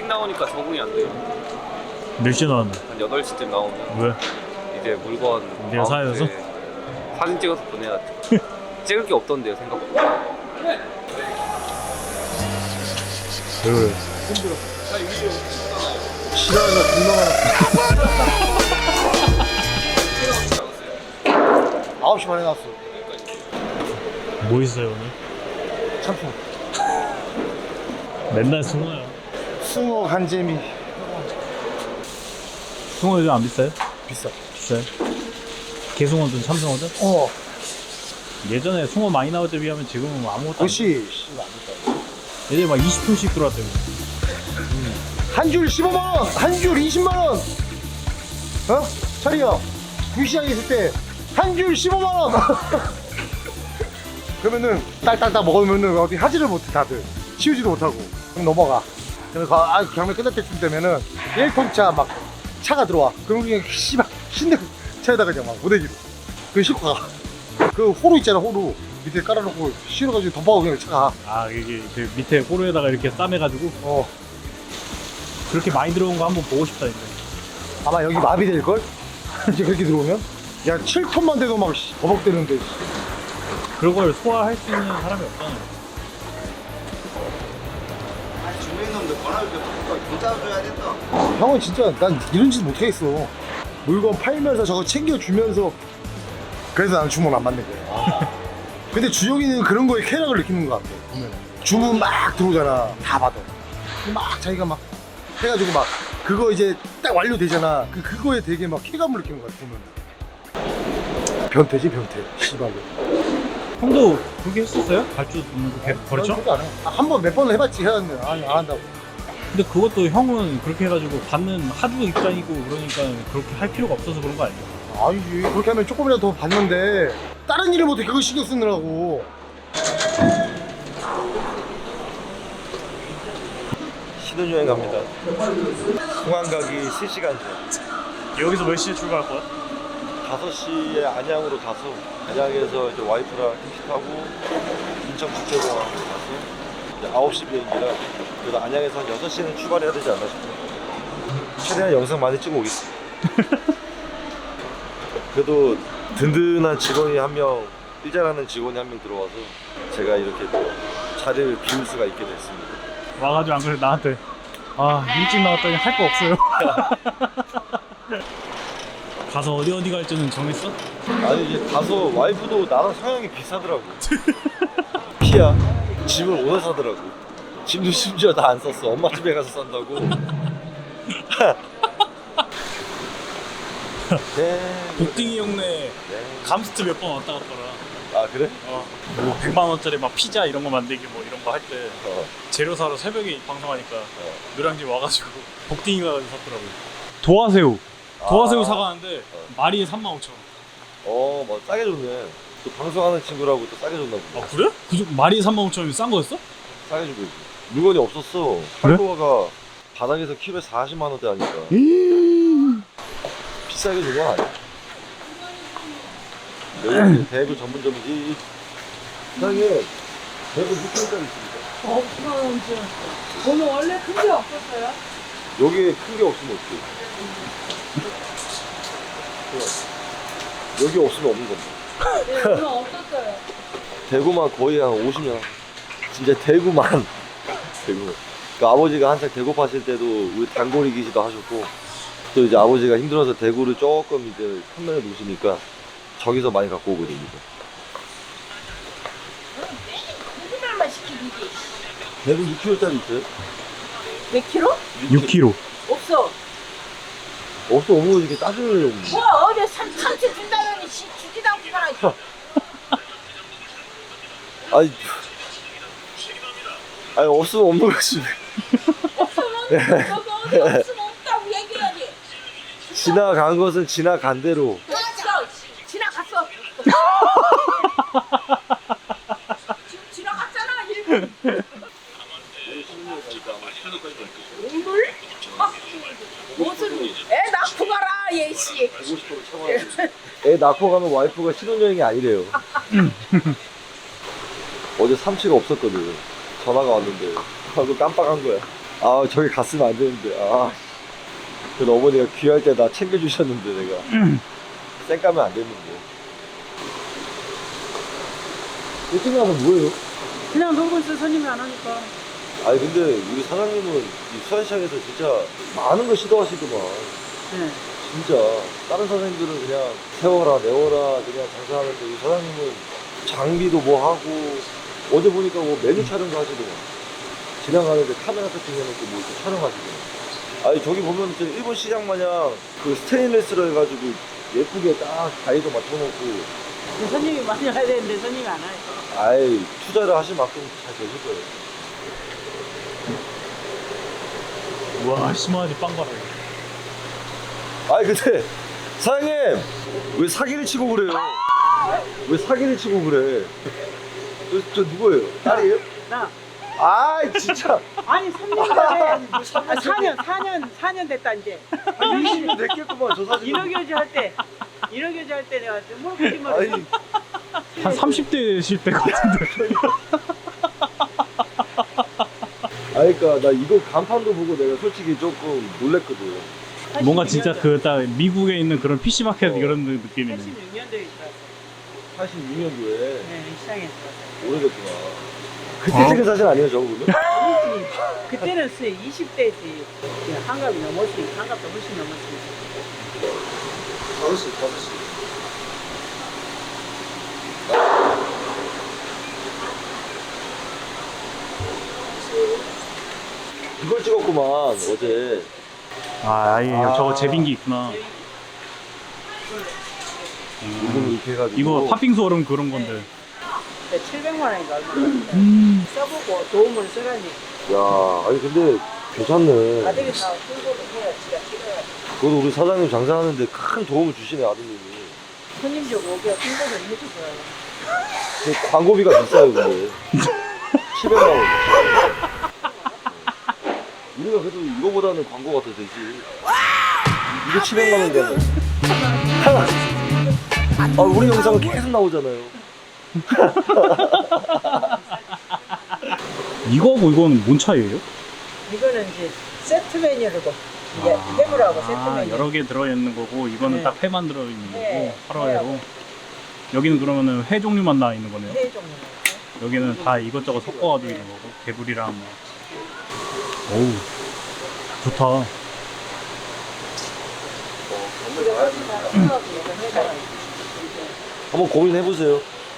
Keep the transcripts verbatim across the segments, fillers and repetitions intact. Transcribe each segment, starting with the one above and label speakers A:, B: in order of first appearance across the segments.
A: 일찍 나오니까 적응이 안 돼요.
B: 몇 시에 나왔는데?
A: 한 여덟 시쯤 나오면
B: 왜?
A: 이제 물건
B: 내가 사야 돼서?
A: 사진 찍어서 보내야죠. 찍을 게 없던데요, 생각보다.
B: 왜 그래?
A: 힘들어. 자, 유리요.
C: 싫어하는 분명하나. 아홉 시 반에 나왔어.
B: 뭐 있어요 오늘?
C: 참품.
B: 맨날 숭어야.
C: 숭어 간재미.
B: 숭어 요즘 안 비싸요?
C: 비싸.
B: 비싸요? 개숭어든 참숭어든?
C: 어.
B: 예전에 숭어 많이 나올 때 비하면 지금은 아무것도 안
C: 그렇지.
B: 예전에 막 이십 톤씩 들어왔대요.
C: 한 줄 십오만 원, 한 줄 이십만 원. 어? 차리야. 구시장에 있을 때 한 줄 십오만 원. 그러면은 딸딸딸 먹으면은 어디 하지를 못해 다들. 치우지도 못하고. 그럼 넘어가. 그러면 그, 아, 경매 끝날 때쯤 되면은 일 톤 차 막 차가 들어와. 그럼 그냥 씨발 신내 차에다가 그냥 막 무대기로. 그 싣고 가. 그 호루 있잖아 호루. 밑에 깔아놓고 실어가지고 덮어가고 그냥 차가.
B: 아 이게 그 밑에 호루에다가 이렇게 싸매가지고
C: 어.
B: 그렇게 많이 들어온 거 한번 보고 싶다 이제.
C: 아마 여기 마비될걸? 이제 그렇게 들어오면? 야 칠 톤만 돼도 막 씨, 버벅대는데.
B: 그런 걸 소화할 수 있는 사람이 없잖아요.
D: 주민놈들 권할 게 붙잡아줘야 된다.
C: 형은 진짜 난 이런 짓 못하겠어. 물건 팔면서 저거 챙겨주면서. 그래서 나는 주문 안 받는 거야. 근데 주영이는 그런 거에 쾌락을 느끼는 것 같아 보면. 주문 막 들어오잖아. 다 받아. 막 자기가 막 해가지고 막 그거 이제 딱 완료되잖아. 그 그거에 되게 막 쾌감을 느끼는 것 같아 보면. 변태지 변태. 씨발로.
B: 형도 그렇게 했었어요? 발주 버렸죠?
C: 한 번 몇 번을 해봤지. 해봤는데 아니 안 한다고.
B: 근데 그것도 형은 그렇게 해가지고 받는 하주 입장이고 그러니까 그렇게 할 필요가 없어서 그런 거 아니에요?
C: 아니지. 그렇게 하면 조금이라도 더 받는데 다른 일을 못해. 그거 신경 쓰느라고.
D: 신혼여행 갑니다. 공항 가기 세 시간 전.
B: 여기서 몇 시에 출발할 거야?
D: 다섯 시에 안양으로 가서 안양에서 이제 와이프랑 택시 타고 인천국제공항 가서 이제 아홉 시 비행기라 그래도 안양에서 한 여섯 시에는 출발해야 되지 않나 싶어요. 최대한 영상 많이 찍어 오겠습니다. 그래도 든든한 직원이 한 명, 일잘하는 직원이 한 명 들어와서 제가 이렇게 또 자리를 비울 수가 있게 됐습니다.
B: 와가지고 안 그래 나한테 아 일찍 나왔더니 할 거 없어요. 가서 어디 어디 갈지는 정했어?
D: 아니 이제 가서 와이프도 나랑 성향이 비슷하더라고. 피야. 집을 오늘 사더라고. 짐도 심지어 다 안 썼어. 엄마 집에 가서 산다고. 네.
B: 복딩이 형네
D: 네.
B: 감스트 몇 번 왔다 갔더라.
D: 아 그래?
B: 어, 뭐 백만 원짜리 막 피자 이런 거 만들기 뭐 이런 거 할 때
D: 어.
B: 재료 사러 새벽에 방송하니까
D: 어.
B: 노량진 와가지고 복딩이 가서 샀더라고요. 도화새우 도화새우
D: 아.
B: 사가는데
D: 어.
B: 마리에 삼만 오천 원.
D: 어, 뭐 싸게 줬네. 또 방송하는 친구라고 또 싸게 줬나 보네.
B: 아 그래? 그 정- 마리에 삼만 오천 원이면 싼 거였어?
D: 싸게 주고 있지. 물건이 없었어.
B: 그래?
D: 팔도가 바닥에서 키로에 사십만 원대 하니까 비싸게 준 건 아니야. 여기 대구 전문점이지. 사장님, 대구 육 킬로짜리 있습니다.
E: 없으면 오늘 원래 큰 게 없었어요?
D: 여기에 큰 게 없으면 어떡해. 여기 없으면 없는 건데.
E: 네, 오늘 없었어요.
D: 대구만 거의 한 오십 년. 진짜 대구만. 대구. 그 아버지가 한창 대구 파실 때도 우리 단골이 기시도 하셨고, 또 이제 아버지가 힘들어서 대구를 조금 이제 판매해 놓으시니까 저기서 많이 갖고 오거든요.
E: 거짓말만 시키지.
D: 대구 육 킬로짜리 있어요?
E: 몇 킬로?
B: 육 킬로그램.
E: 없어.
D: 없어, 없는 거 이렇게 따지려고.
E: 뭐 어제 삼, 삼치 준다더니 시, 주지도 않고 가라.
D: 아니, 아니, 없으면 없는 거지.
E: 없으면 저거 어디 없으면 없다고 얘기해야지.
D: 지나간 것은 지나간 대로.
E: 없어. 지나갔어. 지금 지나갔잖아. 일본. 물? 아, 무슨 애 낳고 가라 얘씨.
D: 애 낳고 가면 와이프가 신혼여행이 아니래요. 어제 삼치가 없었거든. 전화가 왔는데. 하고 깜빡한 거야. 아 저기 갔으면 안 되는데. 아. 그 어머니가 귀할 때 나 챙겨주셨는데 내가. 쌩 까면 안 됐는데. 이쯤 가면 뭐예요?
F: 그냥 놀고 있어. 손님이 안 오니까.
D: 아니 근데 우리 사장님은 이 수산시장에서 진짜 많은 걸 시도하시더만.
F: 네.
D: 진짜 다른 사장님들은 그냥 세워라 내워라 그냥 장사하는데 이 사장님은 장비도 뭐 하고 어제 보니까 뭐 메뉴 촬영도 하시더만. 지나가는데 카메라 세팅해놓고 뭐 이렇게 촬영하시더만. 아니 저기 보면 진짜 일본 시장 마냥 그 스테인레스로 해가지고 예쁘게 딱 가위도 맞춰놓고.
F: 손님이 많이 와야 되는데 손님이 안 와요.
D: 아이 투자를 하실 만큼 잘 되실 거예요.
B: 우와 심하지 빵 봐라.
D: 아니 근데 사장님 왜 사기를 치고 그래요? 왜 사기를 치고 그래? 저, 저 누구예요? 딸이에요?
F: 나.
D: 아이 진짜.
F: 아니 삼 년 전에 아, 사 년 사 년 사 년 됐다 이제.
D: 아, 이십 년 됐겠구만 저 사진.
F: 인어교주 할 때 인어교주 할 때 내가 뭘 거짓말을
D: 아니
B: 한 삼십 대실 때 같은데.
D: 아니 그니까 나 이거 간판도 보고 내가 솔직히 조금 놀랬거든.
B: 뭔가 진짜 그 딱 미국에 있는 그런 피시마켓
D: 어.
B: 이런 느낌이네.
F: 팔십육 년도에 있었어.
D: 팔십육 년도에
F: 네, 시장에 있었어.
D: 오래됐구나. 그때 찍은 사진 아니에요 저거 보면?
F: 아니지. 그때는 수 이십 대지. 한갑이 넘었지. 한갑도 훨씬 넘었지.
D: 다섯 시 다섯 시. 이걸 찍었구만 어제.
B: 아, 아예
D: 아.
B: 저거 제빙기 있구나.
D: 이걸 이렇게 해가지고.
B: 이거 팥빙수 얼음 그런 건데.
F: 칠백만 원인가 얼마
B: 음.
F: 써보고 도움을 쓰라니.
D: 야, 아니 근데 괜찮네.
F: 아들이 다 홍보를 해야 지가 찍어야
D: 그래도 우리 사장님 장사하는데 큰 도움을 주시네 아드님이.
F: 손님들 오게 홍보를 해주고요.
D: 근데 광고비가 비싸요 근데. 칠백만 원. 우리가 그래도 이거보다는 광고가 더 되지. 이게 칠백만 원이잖아. 아, 우리 영상은 계속 나오잖아요.
B: 이거하고 이거는 뭔 차이예요?
F: 이거는 이제 세트 메뉴로도 이제 해물하고 세트
B: 아,
F: 메뉴.
B: 여러 개 들어있는 거고 이거는
F: 네.
B: 딱 회만 들어있는 거고
F: 네.
B: 하루회로. 여기는 그러면은 회 종류만 나와 있는 거네요.
F: 네 종류.
B: 여기는 다 이것저것 섞어가지고 있는 거고 개불이랑 뭐. 어우 좋다.
D: 한번 고민해보세요.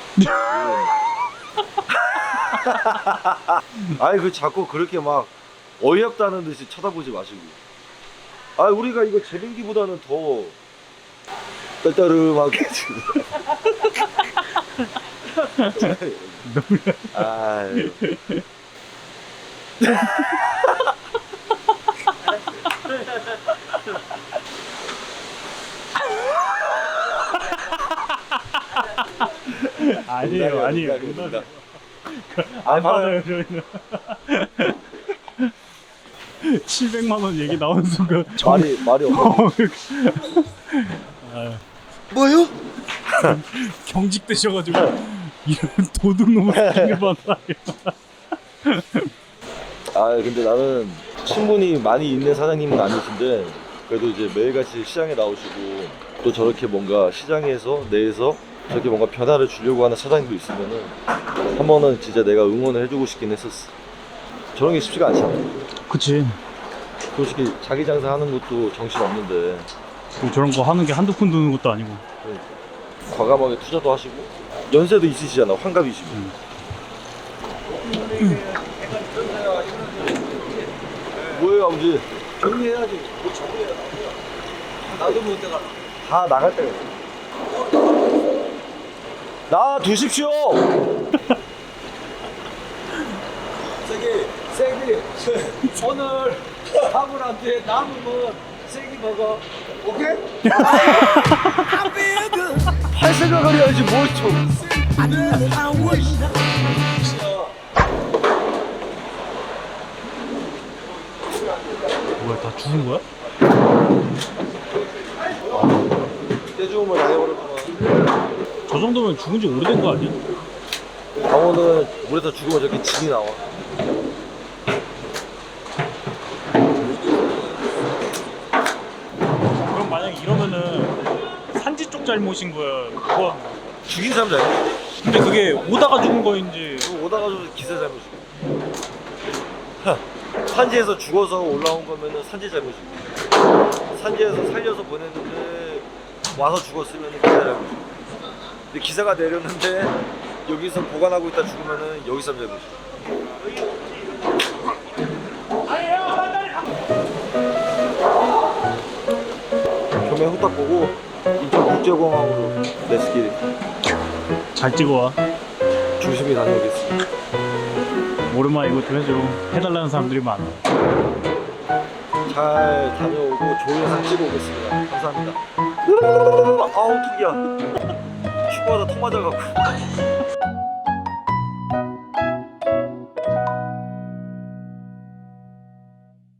D: 아니 그 자꾸 그렇게 막 어이없다는 듯이 쳐다보지 마시고. 아 우리가 이거 제빙기보다는 더 떨떠름하게 지금. 아유.
B: 아니에요 아니에요.
D: 농담이야.
B: 안 받아요 저희는. 칠백만 원 얘기 나오는 순간
D: 말이 말이 없어.
B: 아,
D: 뭐요?
B: 경직되셔가지고 이런 도둑놈을 생겨봤다.
D: 아 근데 나는 친분이 많이 있는 사장님은 아니신데 그래도 이제 매일같이 시장에 나오시고 또 저렇게 뭔가 시장에서 내에서 저렇게 뭔가 변화를 주려고 하는 사장님도 있으면은 한 번은 진짜 내가 응원을 해주고 싶긴 했었어. 저런 게 쉽지가 않잖아.
B: 그치.
D: 솔직히 자기 장사하는 것도 정신 없는데
B: 저런 거 하는 게 한두 푼 드는 것도 아니고.
D: 그러니까. 과감하게 투자도 하시고 연세도 있으시잖아. 환갑이시고.
B: 음.
D: 뭐예요 아버지? 정리해야지. 뭐 정리해. 나도 못 내가. 다 나갈 때가 있어. 나 두십시오.
G: 저기 세기 오늘 아무한테 남으면 세기 먹어.
D: 오케이? 할 생각을 해야지 뭘 좀.
B: 뭐야 다 죽은 거야?
D: 떼주음을 당해버렸구만.
B: 저 정도면 죽은 지 오래된 거 아니야?
D: 강호는 물에서 죽으면 저렇게 진이 나와.
B: 잘못인 거야? 누가?
D: 죽인 사람 잘못.
B: 근데 그게 오다가 죽은 거인지.
D: 오다가 좀 기사 잘못이고. 산지에서 죽어서 올라온 거면은 산지 잘못이고. 산지에서 살려서 보냈는데 와서 죽었으면 기사 잘못이고. 근데 기사가 내렸는데 여기서 보관하고 있다 죽으면은 여기 사람 잘못이고. 겸해 후딱 보고 인천 국제공항으로 렛츠기릿
B: 잘 찍어와.
D: 조심히 다녀오겠습니다.
B: 오랜만에 이거 좀 해줘. 해달라는 사람들이 많아.
D: 잘 다녀오고 좋은 영상 찍어 오겠습니다. 감사합니다. 아우 튕겨. 축구하다 턱 맞아갖고.